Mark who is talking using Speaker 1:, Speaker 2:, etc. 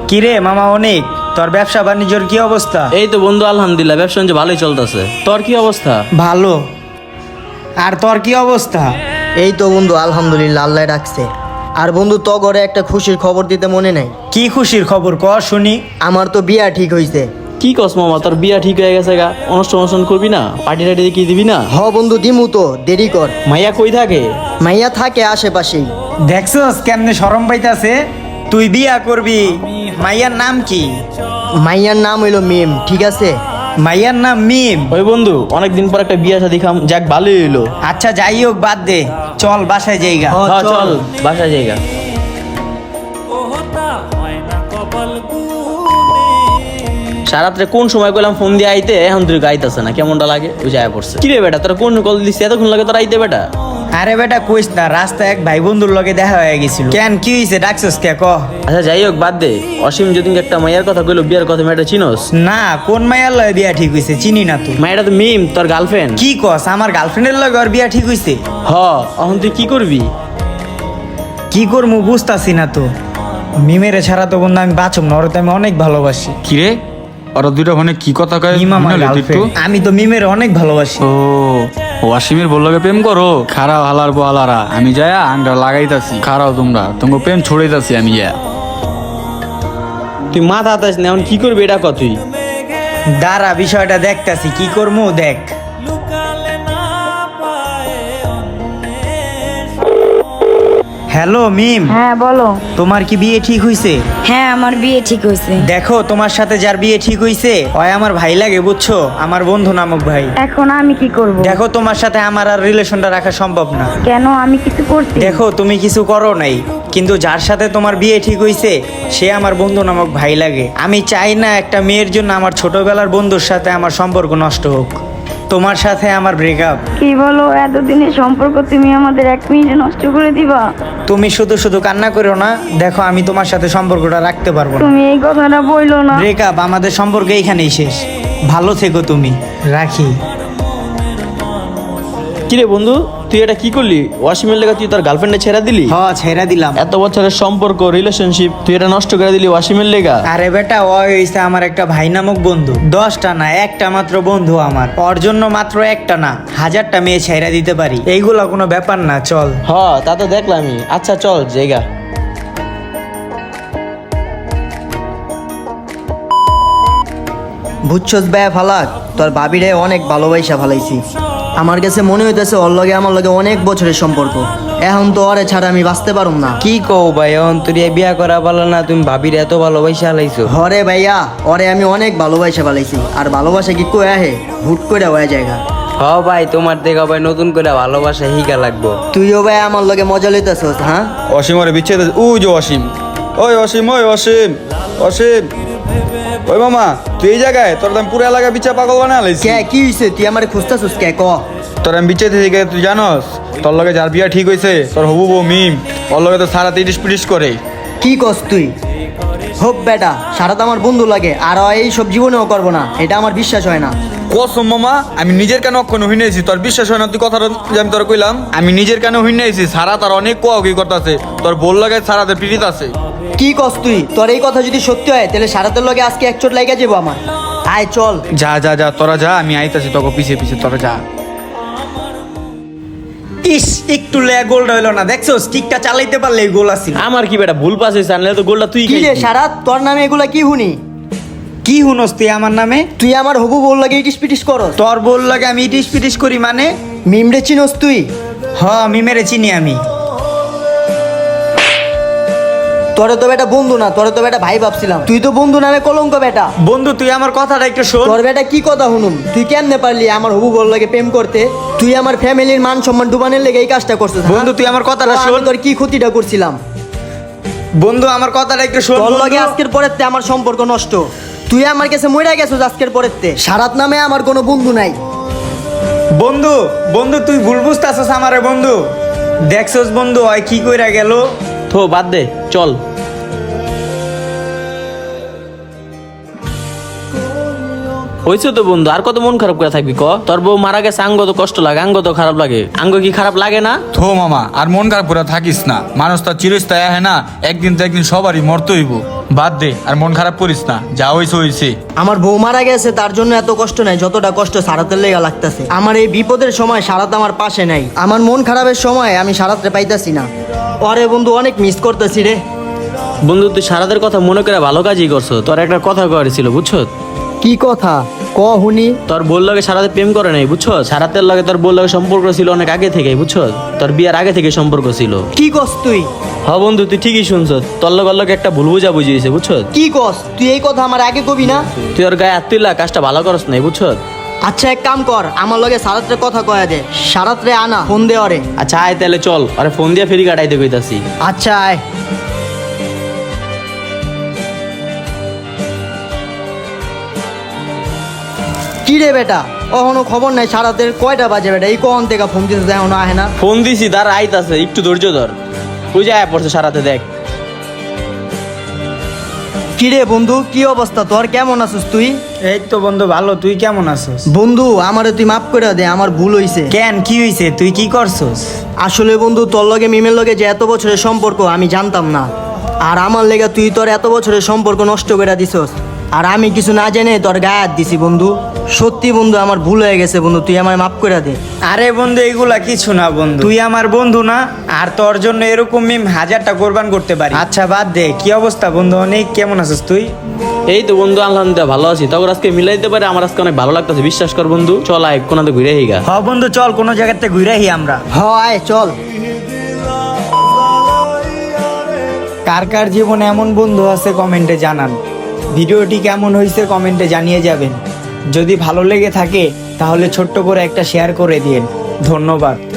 Speaker 1: কিরে মামা অনেক, তোর ব্যবসা বাণিজ্যর কি অবস্থা?
Speaker 2: এই তো বন্ধু, আলহামদুলিল্লাহ, ব্যবসা বাণিজ্য ভালোই চলতেছে। তোর কি অবস্থা?
Speaker 1: ভালো। আর তোর কি অবস্থা?
Speaker 3: এই তো বন্ধু, আলহামদুলিল্লাহ, আল্লাহ রাখছে। আর বন্ধু, তো ঘরে একটা খুশির খবর দিতে মনে নাই?
Speaker 1: কি খুশির খবর ক শুনি।
Speaker 3: আমার তো বিয়া ঠিক হইছে।
Speaker 2: কি কস মামা, তোর বিয়া ঠিক হয়ে গেছে গা? অনুষ্ঠান করবি না? পার্টি টাটি কি দিবি না?
Speaker 3: হ বন্ধু, দিমু তো, দেরি কর।
Speaker 2: মাইয়া কই থাকে?
Speaker 3: মাইয়া থাকে আশেপাশেই।
Speaker 1: দেখছস কেমনে শরম পাইতাছে? তুই বিয়া করবি, মাইয়ার নাম কি?
Speaker 3: মাইয়ার নাম হইলো মিম, ঠিক আছে?
Speaker 1: মাইয়ার নাম মিম।
Speaker 2: ওই বন্ধু, অনেকদিন পর একটা বিয়া শাদী খাম, যাক ভালোই হইলো।
Speaker 1: আচ্ছা যাই হোক, বাদ দে, চল বাসায় যাইগা।
Speaker 3: হ,
Speaker 2: হ্যাঁ,
Speaker 3: চল।
Speaker 2: চল বাসা জায়গা। সারাত্রে কোন সময় কইলাম ফোন দিয়ে আইতে, এখন তুই গাইতেছে না, কেমনটা লাগে? ওই যায় পড়ছে। কিরে বেটা, তোর কোন কল দিছিস এতক্ষণ লাগে তোর আইতে বেটা?
Speaker 1: আরে বেটা কইস না, রাস্তায় এক ভাই বন্ধুর লগে দেখা হয়ে গেছিল। কেন কি হইছে, ডাকছস কে ক?
Speaker 2: আচ্ছা যাই হোক, বাদ দে। অসীম যদি একটা মাইয়ার কথা কইলো, বিয়ার কথা, মেয়েটা চিনোস?
Speaker 1: না, কোন মাইয়ার লগে বিয়া ঠিক হইছে চিনি না তো।
Speaker 2: মাইয়াটা তো মিম, তোর গার্লফ্রেন্ড।
Speaker 1: কি কস, আমার গার্লফ্রেন্ডের লগে ওর বিয়া ঠিক হইছে?
Speaker 2: হ, এখন তুই কি করবি?
Speaker 1: কি করবো বুঝতাছি না তো। মিমেরে ছাড়া তো বন্ধু আমি বাঁচব না, ওরে তো আমি অনেক ভালোবাসি।
Speaker 4: কিরে ওরা দুইটা ফোনে কি কথা কয়?
Speaker 1: মিম আমার
Speaker 4: মনে হলো একটু?
Speaker 1: গার্লফ্রেন্ড, আমি তো মিমের অনেক ভালোবাসি।
Speaker 4: ও ওয়াসিমের বললকে প্রেম করো? খারাপ হালার বহালারা, আমি যায়া আংটা লাগাইতাছি, খারাও তোমরা তোমাকে প্রেম ছড়াইতাছি আমি যা।
Speaker 2: তুই মাথা হাতাস না, এখন কি করবি এটা কত? তুই
Speaker 1: দাঁড়া, বিষয়টা দেখতাছি, কি করবো দেখ। হ্যালো মিম,
Speaker 5: হ্যাঁ বলো।
Speaker 1: তোমার কি বিয়ে ঠিক হইছে?
Speaker 5: হ্যাঁ আমার বিয়ে ঠিক হয়েছে।
Speaker 1: দেখো তোমার সাথে যার বিয়ে ঠিক হইছে ওই আমার ভাই লাগে, বুঝছো? আমার বন্ধু নামক ভাই।
Speaker 5: এখন আমি কি করব?
Speaker 1: দেখো তোমার সাথে আমার আর রিলেশনটা রাখা সম্ভব না।
Speaker 5: কেন, আমি কিছু করছি?
Speaker 1: দেখো তুমি কিছু করো নাই, কিন্তু যার সাথে তোমার বিয়ে ঠিক হইছে সে আমার বন্ধু নামক ভাই লাগে। আমি চাই না একটা মেয়ের জন্য আমার ছোটবেলার বন্ধুর সাথে আমার সম্পর্ক নষ্ট হোক। তোমার সাথে আমার ব্রেকআপ।
Speaker 5: কি বলো, এতদিনের সম্পর্ক তুমি আমাদের 1 মিনিটে নষ্ট করে দিবা?
Speaker 1: তুমি শুধু শুধু কান্না করো না, দেখো আমি তোমার সাথে সম্পর্কটা রাখতে পারবো না।
Speaker 5: তুমি এই কথাটা বইলো না।
Speaker 1: ব্রেকআপ, আমাদের সম্পর্ক এইখানেই শেষ। ভালো থেকো তুমি, রাখি।
Speaker 2: কিরে বন্ধু, তুই এটা কি করলি? ওয়াসিমের লেগে তুই তোর গার্লফ্রেন্ডে ছেড়ে দিলি?
Speaker 1: হ, ছেড়ে দিলাম।
Speaker 2: এত বছরের সম্পর্ক, রিলেশনশিপ, তুই এটা নষ্ট করে দিলি ওয়াসিমের লেগা?
Speaker 1: আরে বেটা, ও হইছে আমার একটা ভাই নামক বন্ধু। 10টা না, একটা মাত্র বন্ধু আমার। ওর জন্য মাত্র একটা না, 1000টা মেয়ে ছেড়ে দিতে পারি। এইগুলা কোনো ব্যাপার না, চল।
Speaker 2: হ, তা তো দেখলামই। আচ্ছা চল জায়গা।
Speaker 3: বুঝছস ব্যা ফালাক, তোর ভাবিরে অনেক ভালোবাসা ফালাইছি। আমার কাছে মনে হইতেছে ওর লগে আমার লগে অনেক বছরের সম্পর্ক। এখন তো ওরে ছাড়া আমি বাঁচতে পারুম না।
Speaker 6: কি কও ভাই, অন্তরিয়া বিয়া করা ভালো না? তুমি ভাবির এত ভালোবাসা লাইছো?
Speaker 3: হরে ভাইয়া, ওরে আমি অনেক ভালোবাসা ফালাইছি। আর ভালোবাসা কি কই আহে, হুট করে হয়ে জায়গা।
Speaker 6: হ ভাই, তোমার দেখা ভাই নতুন করে ভালোবাসা হিগা লাগবো।
Speaker 3: তুইও ভাই আমার লগে মজা লইতেছস? হ্যাঁ,
Speaker 4: অসীম ওরে বিচ্ছেদ। ও যে অসীম, ওই অসীম, ওই অসীম, অসীম, ওই মামা তুই এই জায়গায়? তোর আমি পুরো এলাকা বিচ্ছা পাগল বানা লাইছি।
Speaker 3: কে কি হইছে? তুই আমারে খুঁজতাছস কে? ক।
Speaker 4: তোর আমি বিচ্ছেদ থেকে তুই জানস তোর লগে যার বিয়া ঠিক হইছে তোর হবু বউ মিম, ওর লগে তো সারা 30 পিটিস করে।
Speaker 3: কি কস তুই? হোপ বেটা, সারা তো আমার বন্ধু লাগে, আর ও এই সব জীবনেও করবো না, এটা আমার বিশ্বাস হয় না।
Speaker 4: কসম মামা, আমি নিজের কানে অক্ষণ হই নাইছি, তোর বিশ্বাস হয় না? তুই কথাটা যে আমি তোর কইলাম, আমি নিজের কানে হই নাইছি। সারা তার অনেক কোয়াকি করতেছে, তোর বল লাগে সারাতে পিড়িত আছে।
Speaker 3: কি কস তুই? তোর এই কথা যদি সত্যি হয় তাহলে সারাতের লগে আজকে এক চোট লাইগা যাবো আমার। আয় চল।
Speaker 4: যা যা যা, তোরা যা, আমি আইতাছি তোকে পিছে পিছে, তোরা যা।
Speaker 1: ইস, একটু লে গোলটা হইলো না, দেখছো? স্টিকটা চালাইতে পারলে গোল আছিল।
Speaker 2: আমার কি বেটা ভুল পাস হয়েছে? আনলে তো গোলটা তুই
Speaker 3: কি রে
Speaker 2: খাইছিস।
Speaker 3: সারাত, তোর নামে এগুলা কি হুনি?
Speaker 1: কি হুনস তুই আমার নামে?
Speaker 3: তুই আমার হবু বল লাগে ইটিস পিটিস করস?
Speaker 1: তোর বল লাগে আমি ইটিস পিটিস করি মানে?
Speaker 3: মিমরে চিনস তুই?
Speaker 1: হ, মিমেরে চিনি আমি।
Speaker 3: তোরে তো বেটা বন্ধু না, তোরে তো বেটা ভাই ভাবছিলাম। তুই তো বন্ধু নামে কলঙ্ক বেটা।
Speaker 1: বন্ধু তুই আমার কথাটা একটু শোন।
Speaker 3: তোর বেটা কি কথা হুনুম? তুই কেমনে পারলি আমার হবু বল লাগে প্রেম করতে? তুই আমার ফ্যামিলির মান সম্মান ডুবানের লেগে এই কাজটা করছিস? হ্যাঁ?
Speaker 1: বন্ধু তুই আমার কথাটা
Speaker 3: তো আমি
Speaker 1: শোন।
Speaker 3: তোর কি ক্ষতিটা করছিলাম?
Speaker 1: বন্ধু আমার কথাটা একটু শোন।
Speaker 3: তোর লগে
Speaker 1: বন্ধু।
Speaker 3: আজকের পরের তে আমার সম্পর্ক নষ্ট। তুই আমার কাছে মইরা গেছিস আজকের পরের তে। সারাত নামে আমার কোনো বন্ধু নাই।
Speaker 1: বন্ধু, বন্ধু তুই ভুল বুঝতাছস আমারে বন্ধু। দেখছস বন্ধু ওই কি কইরা গেল?
Speaker 2: থো বাদ দে, চল। হয়েছে তো বন্ধু, আর কত মন খারাপ করে থাকবি ক? তোর বউ মারা গেছে, আঙ্গ তো কষ্ট লাগে, আঙ্গ তো খারাপ লাগে। আঙ্গ কি খারাপ লাগে না?
Speaker 4: থো মামা, আর মন খারাপ করে থাকিস না। মানুষ তো চিরস্থায়ী হ্যাঁ না, একদিন তো একদিন সবারই মরতে হইব। বাদ দে আর মন খারাপ করিস না, যা হইছে হইছে।
Speaker 3: আমার বউ মারা গেছে তার জন্য এত কষ্ট নাই যতটা কষ্ট সারাতের লেগা লাগতেছে। আমার এই বিপদের সময় সারাত আমার পাশে নাই, আমার মন খারাপের সময় আমি সারাতে পাইতাছি না। ওরে বন্ধু অনেক মিস করতেছি রে।
Speaker 2: বন্ধু তুই সারাদের কথা মনে করে ভালো কাজই করছো। তোর একটা কথা কওয়ার ছিল বুঝছো।
Speaker 3: কি কথা ক হুনি?
Speaker 2: তোর বোর লগে সারাতে প্রেম করে নাই বুঝছো। সারাতের লগে তোর বোর লগে সম্পর্ক ছিল অনেক আগে থেকেই বুঝছো। তোর বিয়ার আগে থেকে সম্পর্ক ছিল।
Speaker 3: কি কস তুই?
Speaker 2: হ বন্ধু তুই ঠিকই শুনছ। তোর লগে একটা ভুল বুঝা বুঝিয়েছে বুঝছো।
Speaker 3: কি কস তুই? এই কথা আমার আগে কবি না।
Speaker 2: তুই ওর গায়ে হাত তুইলা কাজটা ভালো করস নাই বুঝছো।
Speaker 3: আচ্ছা এক কাম কর, আমার লগে সারাত্রে কথা কয়া দে, সারাত্রে আনা ফোন দে ওরে।
Speaker 2: আচ্ছা আয় তাহলে চল, আরে ফোন দিয়ে ফেরি কাটাইতে কইতাছি।
Speaker 3: আচ্ছা আয়। কি রে বেটা, এখনো খবর নাই সারাতের? কয়টা বাজে বেটা? এই কখন থেকে ফোন দিতে এখনো আহে না?
Speaker 2: ফোন দিছি তার আইতাছে, একটু ধৈর্য ধর। তুই যায় পড়ছে সারাতে দেখ।
Speaker 3: কি রে বন্ধু, কি অবস্থা তোর? কেমন আছিস তুই?
Speaker 1: এই তো বন্ধু ভালো, তুই কেমন আছিস?
Speaker 3: বন্ধু আমারে তুই মাফ করে দে, আমার ভুল হইছে।
Speaker 1: কেন, কি হইছে? তুই কি করছস?
Speaker 3: আসলে বন্ধু তোর লগে মিমের লগে যে এত বছরের সম্পর্ক আমি জানতাম না, আর আমার লেগে তুই তোর এত বছরের সম্পর্ক নষ্ট করে দিছস, আর আমি কিছু না জেনে তোর গায়ে হাত দিছি বন্ধু। সত্যি বন্ধু আমার ভুল হয়ে গেছে বন্ধু, তুই আমার মাফ করে দে।
Speaker 1: আরে বন্ধু এগুলা কিছু না বন্ধু, তুই আমার বন্ধু না? আর তোর জন্য এরকম মিম হাজারটা কোরবান করতে পারি। আচ্ছা বাদ দে, কি অবস্থা বন্ধু? অনেক কেমন আছিস তুই?
Speaker 2: এই তো বন্ধু আলহামদুলিল্লাহ ভালো আছি। তখন আজকে মিলাই দিতে পারে, আমার আজকে অনেক ভালো লাগতেছে। বিশ্বাস কর বন্ধু, চল আয় কোনাতে ঘুরে হিগা।
Speaker 1: হ বন্ধু চল, কোনো জায়গাতে ঘুরাই আমরা।
Speaker 3: হ আয় চল।
Speaker 1: কার কার জীবনে এমন বন্ধু আছে কমেন্টে জানান। ভিডিওটি কেমন হয়েছে কমেন্টে জানিয়ে যাবেন। যদি ভালো লেগে থাকে তাহলে ছোট্ট করে একটা শেয়ার করে দিন। ধন্যবাদ।